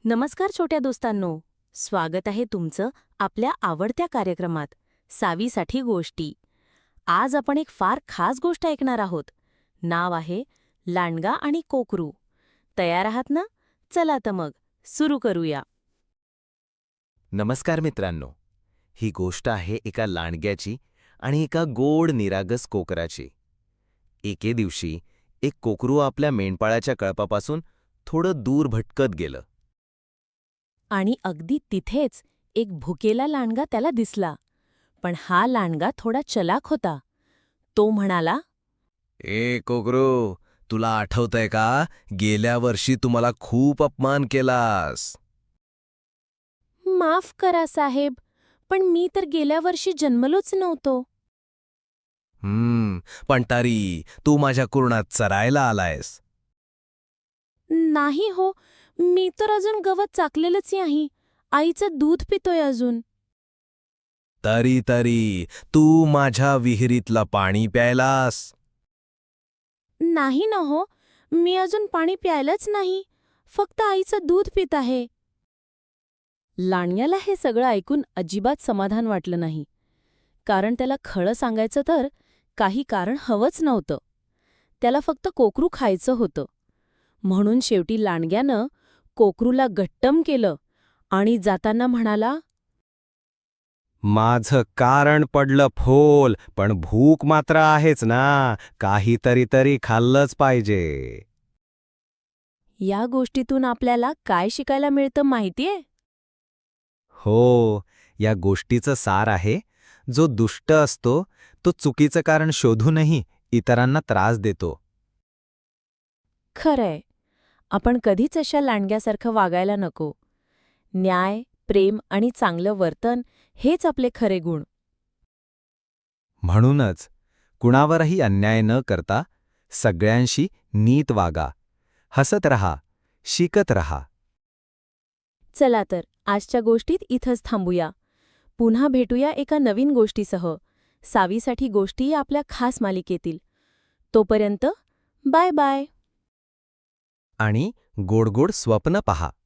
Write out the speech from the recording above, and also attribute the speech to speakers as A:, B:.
A: नमस्कार छोट्या दोस्तांनो, स्वागत आहे तुमचं आपल्या आवडत्या कार्यक्रमात सावीसाठी गोष्टी. आज आपण एक फार खास गोष्ट ऐकणार आहोत. नाव आहे लांडगा आणि कोकरू. तयार आहात ना? चला तर मग सुरू करूया.
B: नमस्कार मित्रांनो. ही गोष्ट आहे एका लांडग्याची आणि एका गोड निरागस कोकराची. एके दिवशी एक कोकरू आपल्या मेंढपाळाच्या कळपापासून थोडं दूर भटकत गेलं.
A: आणि अगदी तिथेच एक भुकेला लांडगा त्याला दिसला. पण हा लांडगा थोडा चलाक होता. तो म्हणाला,
B: ए कोकरू, तुला आठवतंय का, गेल्या वर्षी तू मला खूप अपमान केलास.
A: माफ करा साहेब, पण मी तर गेल्या वर्षी जन्मलोच नव्हतो.
B: पण तरी तू माझ्या कुरणात चरायला आलायस.
A: नाही हो, मी तर अजून गवत चाकलेलंच नाही. आईचं दूध पितोय अजून.
B: तरी तू माझ्या विहिरीतलं पाणी प्यायलास.
A: नाही ना हो, मी अजून पाणी प्यायलंच नाही. फक्त आईचं दूध पित आहे. लांडग्याला हे सगळं ऐकून अजिबात समाधान वाटलं नाही. कारण त्याला खरं सांगायचं तर काही कारण हवंच नव्हतं. त्याला फक्त कोकरू खायचं होतं. म्हणून शेवटी लांडग्यानं कोकरूला गट्टम केलं आणि जाताना म्हणाला,
C: माझं कारण पडलं फोल, पण भूक मात्र आहेच ना, काहीतरी तरी खाल्लंच पाहिजे.
A: या गोष्टीतून आपल्याला काय शिकायला मिळतं माहितीये?
C: हो, या गोष्टीचं सार आहे, जो दुष्ट असतो तो चुकीचं कारण शोधूनही इतरांना त्रास देतो.
A: खरंय, आपण कधीच अशा लांडग्यासारखं वागायला नको. न्याय, प्रेम आणि चांगलं वर्तन हेच आपले खरे गुण.
C: म्हणूनच कुणावरही अन्याय न करता सगळ्यांशी नीट वागा, हसत रहा, शिकत रहा.
A: चला तर आजच्या गोष्टीत इथंच थांबूया. पुन्हा भेटूया एका नवीन गोष्टीसह. सावीसाठी गोष्टी आपल्या खास मालिकेतील. तोपर्यंत बाय बाय.
C: आणि गोड गोड स्वप्न पहा.